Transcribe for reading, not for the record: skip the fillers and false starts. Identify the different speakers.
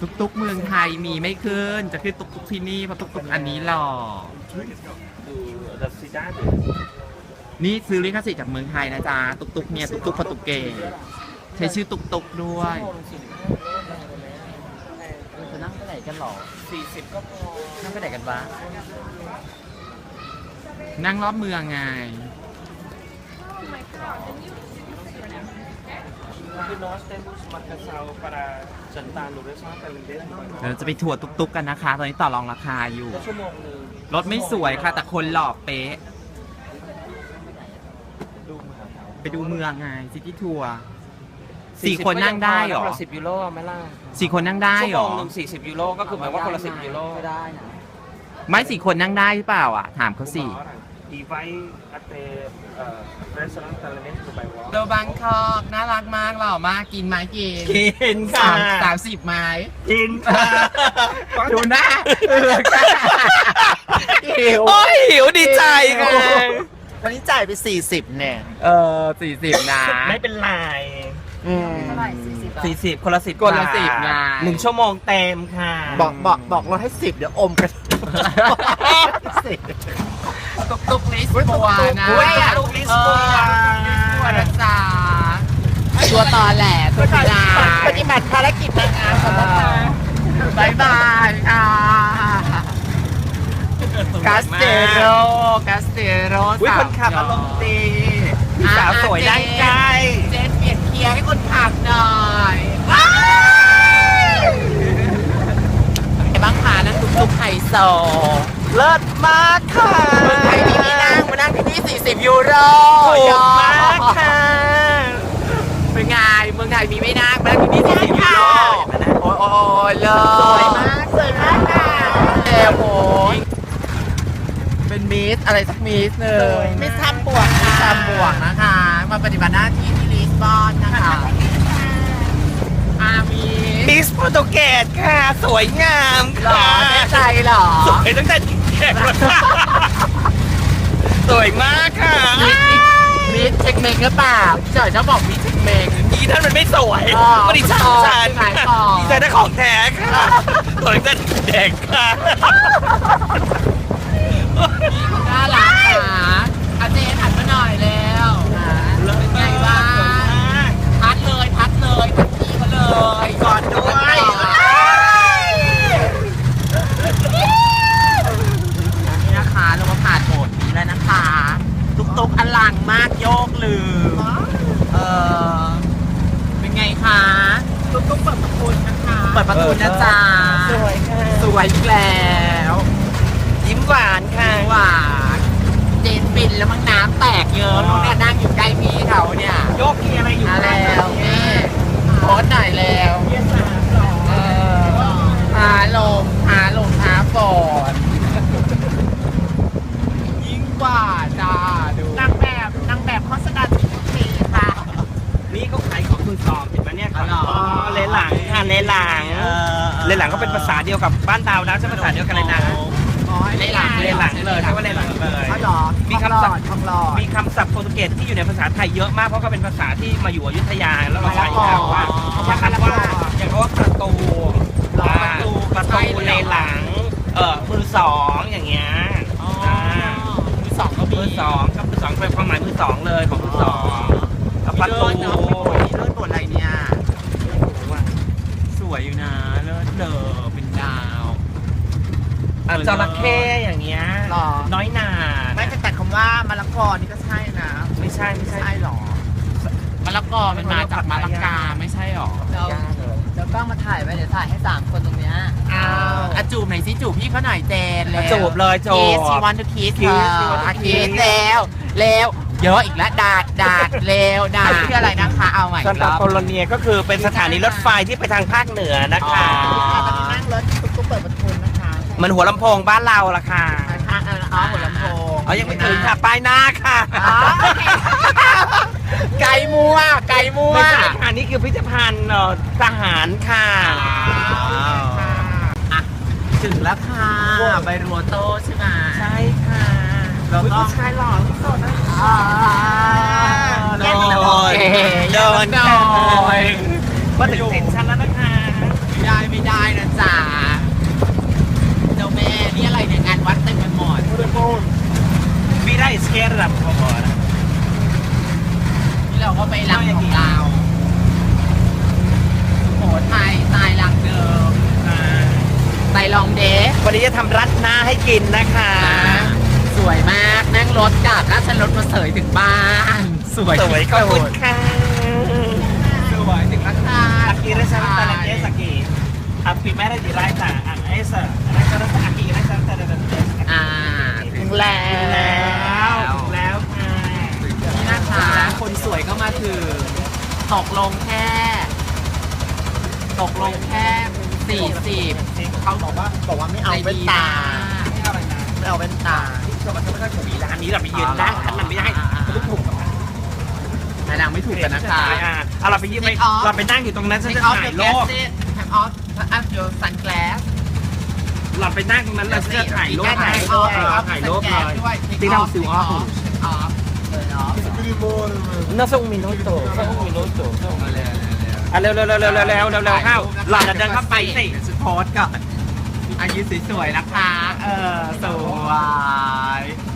Speaker 1: ตุกเมืองไทยมีไม่ขึ้นจะขึ้นตุกที่นี่เพราะตุกอันนี้หล่อนี่ซื้อลิขสิทธิ์จากเมืองไทยนะจ๊ะตุกเนี่ยตุกโปรตุเกสใช้ชื่อตุกด้วย
Speaker 2: จะนั่งไปไหนกันหรอ40ก็พอนั่งไปไหนกันวะ
Speaker 1: นั่งรอบเมืองไงเราจะไปทัวร์ตุกกันนะคะตอนนี้ต่อรองราคาอยู่รถไม่สวยค่ะแต่คนหล่อเป๊ะไปดูเมืองไงซิตี้ทัวร์4 คนนั่งได้เหรอ
Speaker 2: 10 ยูโรไหมล่ะ
Speaker 1: 4 คนนั่งได้เหรอ
Speaker 2: ชั่วโมงนึง40 ยูโรก็คือหมายว่าคนละ10 ยูโรไม่ได้นะ
Speaker 1: ไม่4 คนนั่งได้หรือเปล่าอ่ะถามเขาสิโดบังคอกน่ารักมากหล่อมากกินไหม
Speaker 2: กินค่ะ
Speaker 1: 30 ไม้
Speaker 2: กินค่ะ
Speaker 1: ดูหน้า
Speaker 2: โอ้ยหิวดีใจค่ะ
Speaker 3: ตอนนี้จ่ายไป40เนี่ย
Speaker 1: 40นะ
Speaker 2: ไม่เป็นไร40 คนละ10
Speaker 1: คนละ10นะ
Speaker 2: 1 ชั่วโมงเต็มค่ะ
Speaker 3: บอกเราให้10เดี๋ยวอมกัน
Speaker 1: ตุกลิสบัวนะ
Speaker 2: ตุกลิสบัว
Speaker 1: นะจ๊ะตัวต่อแหล่ตัวพิลา
Speaker 3: ปฏิบัติภารกิจในงานของเรา
Speaker 1: บายบายค่ะกาสเตโร
Speaker 2: คนขับอารมณ์ดีพี่สาวสวยได้ใจ
Speaker 1: เจนเปลี่ยนเกียร์ให้คนขับหน่อยไอ้บ้างขานั้นตุกไฮโซ
Speaker 2: เลิศมากค่ะ
Speaker 1: เมืองไทยมีที่นั่งมานั่งที่นี่40 ยูโร
Speaker 2: ถูกมากค่ะ
Speaker 1: เป็นไงเมืองไทยมีไม่นั่งมานั่งที่นี่40 ยูโรโอ้ยเลิศ
Speaker 3: สวยมากค่ะ
Speaker 1: โอ้ยเป็นมิสอะไรสักมิสหนึ่ง
Speaker 3: มิสทำบวก
Speaker 1: นะคะมาปฏิบัติหน้าที่ที่ลิสบอนนะคะ
Speaker 2: มิสโปรตุเกสค่ะสวยงามค่ะ
Speaker 1: แน่ใจเหรอ
Speaker 2: สวยตั้งแต่แขกสวยมากค่ะ
Speaker 1: มิสเช็คเมงหรือเปล่าพี่จ่อยชอบบอกมิสเช็คเมง
Speaker 2: อีท่านมันไม่สวยไม่ได้ช่างฉันดีใจได้ของแท้ค่ะสวยตั้งแต่เด็กค่ะ
Speaker 1: น่ารักค่ะอาเจนหันมาหน่อยแล้วเป็นไงบ้างพัดเลยพี่มาเลย
Speaker 2: ก่อนด้วย
Speaker 1: นี่นะคะเรามาผ่านโหมดนี้แล้วนะคะตุกอลังมากโยกลืมเป็นไงคะตุกเปิดประตูนะคะเปิดประตูนะจ๊ะ
Speaker 2: สวยค่ะ
Speaker 1: สวยอีกแล้ว
Speaker 2: ยิ้มหวานค่ะ
Speaker 1: หวานเจนปินแล้วมั้งน้ำแตกเยอะน้องเนี่ยนั่งอยู่ใกล้พี่เขาเนี่ย
Speaker 2: โยกมีอะไรอยู่
Speaker 1: แล้วนี่โพสต์หน่อยแล้วหาลมหาฝนยิ่งกว่าจ้าดู
Speaker 3: นางแบบโฆษณาทุกทีค่ะ
Speaker 2: นี่ก็ขายของมือสองเห็นไหมเนี่ยเลหลังค่ะเลหลังก็เป็นภาษาเดียวกับบ้านดาวนะใช่ภาษาเดียวกันเลยนะเลหลังเลยใช่ว่าเลหลังเลย
Speaker 3: มีคำศัพท์
Speaker 2: มีคำศัพท์โปรตุเกสที่อยู่ในภาษาไทยเยอะมากเพราะก็เป็นภาษาที่มาอยู่อยุธยาแล้วเราใช้ว่าอย่างคำว่าประตูเลหลังมือสองอย่างเงี้ย
Speaker 1: มือสองก็มี
Speaker 2: มือสองเป็นความหมายมือสองเลยของมือสองประตู
Speaker 1: เลิศบทอะไรเนี่ยสวยอยู่นะเลิศเป็นดาว
Speaker 2: จระเข้อย่างเงี้ยน้อยหนา
Speaker 3: ไม่แต่คำว่ามะละกอนี่ก็ใช่นะ
Speaker 2: ไม่ใช่
Speaker 3: หรอ
Speaker 1: มะละกอมันมาจากมะละกาไม่ใช่หรอ
Speaker 3: เดี๋ยวกล้องมาถ่ายไว้เดี๋ยวถ่ายให้3 คนตรงเนี้ย
Speaker 1: จูบหน่อยสิจูบพี่เขาหน่อยเจนเลย
Speaker 2: จูบเลยจูบ
Speaker 1: ชีวันทุกคิสแล้วเยอะอีกแล้วดาดแล้วชื่ออะไรนะคะเอาใหม่
Speaker 2: ซันตาโคโลเนียก็คือเป็นสถานีรถไฟที่ไปทางภาคเหนือนะคะ
Speaker 3: นั่งรถตุ๊กเปิดประตูนะคะ
Speaker 2: มันหัวลำโพงบ้านเราล่ะค่ะ
Speaker 3: หัวลำโพง
Speaker 2: ยังไม่ถึงค่ะป้ายหน้าค่ะ
Speaker 1: ไก่มัว
Speaker 2: ไม่ใช่ค่ะนี่คือพิพิธภัณฑ์ทหารค่ะ
Speaker 1: ถึงแล้วค่ะใบรัวโตใช่ไหม
Speaker 2: ใช่ค่ะ
Speaker 1: เราต้อง
Speaker 2: ชายหล่อที่สุดนะ
Speaker 1: โดน
Speaker 2: มาถึงเซ็นชั่นแล้วนะคะ
Speaker 1: ไม่ได้นะ
Speaker 2: วันนี้จะทำรัดหน้าให้กินนะคะ
Speaker 1: สวยมากนั่งรถกลับแล้วฉันรถมาเสยถึงบ้าน สวย
Speaker 2: สวยขอบคุณค่ะ
Speaker 1: สวยถึงราคา
Speaker 2: Aquí resalta la pieza que a primera de la esa aquí resalta la pieza
Speaker 1: อ่าถึงแล้ว
Speaker 2: แล้วค่ะ
Speaker 1: นี่นะคะคนสวยก็มาถึงตกลงแค่40เขาบอกว่าไม่เอาแว่นตาไม่เอาแว่นตา
Speaker 2: มันไม่ค่อยถูกร้านนี้เราไปยืนนั่งมันไม่ได้มันถูกกับมัน
Speaker 1: แต่นางไม่ถูกกันนะคะ
Speaker 2: เอาเราไปยืนไปเราไปนั่งอยู่ตรงนั้นฉัน
Speaker 1: Take
Speaker 2: จะ
Speaker 1: off
Speaker 2: ถ่าย
Speaker 1: your
Speaker 2: รูป
Speaker 1: glasses Take off your sunglass
Speaker 2: เราไปนั่งตรงนั้นเราจะถ่ายรูป
Speaker 1: ถ่ายรูปเลย
Speaker 2: ที่เราซิวออฟ No son un minuto, son un minuto. เร็วเข้าหล่อนจะเดินเข้าไปสิ
Speaker 1: โพสก่อนอายุสวยๆนะคะ สวย